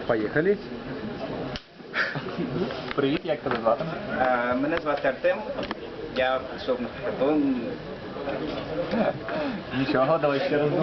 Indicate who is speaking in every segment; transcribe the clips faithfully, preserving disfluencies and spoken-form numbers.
Speaker 1: Поїхали.
Speaker 2: Привіт, як тебе звати?
Speaker 3: Е, Мене звати Артем. Я прийшов на хакатон.
Speaker 2: Нічого, давай ще раз.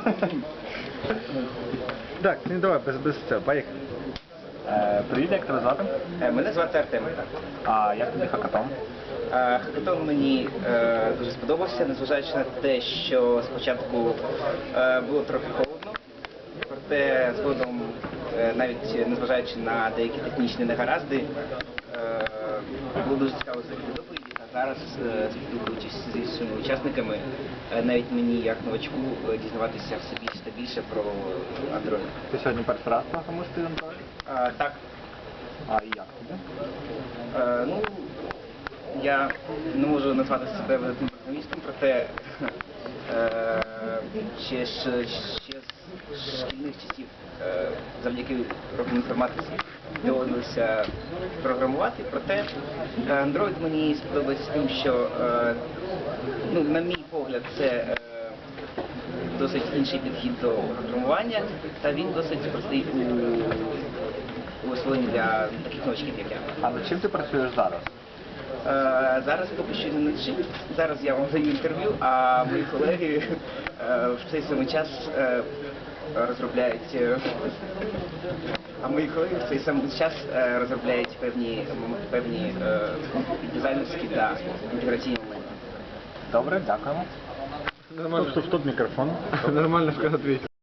Speaker 1: Так, ну давай, без, без цього, поїхали.
Speaker 2: Е, Привіт, як тебе звати?
Speaker 3: Е, Мене звати Артем.
Speaker 2: А як тобі хакатон?
Speaker 3: Е, Хакатон мені е, дуже сподобався, незважаючи на те, що спочатку е, було трохи холодно, проте згодом, е, навіть незважаючи на деякі технічні негаразди, е, було дуже цікаво зробити доповіді. А зараз, е, спілкуючись з іншими учасниками, е, навіть мені як новачку е, дізнаватися все більше та більше про Android.
Speaker 2: Ти сьогодні перший раз програмуєш ти Android?
Speaker 3: Е, Так.
Speaker 2: А і як тобі?
Speaker 3: Е, ну, я не можу назвати себе великим програмістом, проте е, ще, ще, ще з шкільних часів е, завдяки урокам інформатиці доводилося програмувати, проте е, Android мені сподобається тим, що, е, ну, на мій погляд, це е, досить інший підхід до програмування, та він досить простий у, у освоєнні для таких новачків, як я.
Speaker 2: А над чим ти працюєш зараз?
Speaker 3: Е, Зараз поки що не над чим. Зараз я вам даю інтерв'ю, а мої колеги е, в цей самий час е, розробляють е, а мої колеги в цей самий час е, розробляють певні певні е, дизайнерські та інтеграційні моменти.
Speaker 2: Добре, дякуємо.
Speaker 1: Нормально. Стоп, стоп, мікрофон. Нормально, що ответил.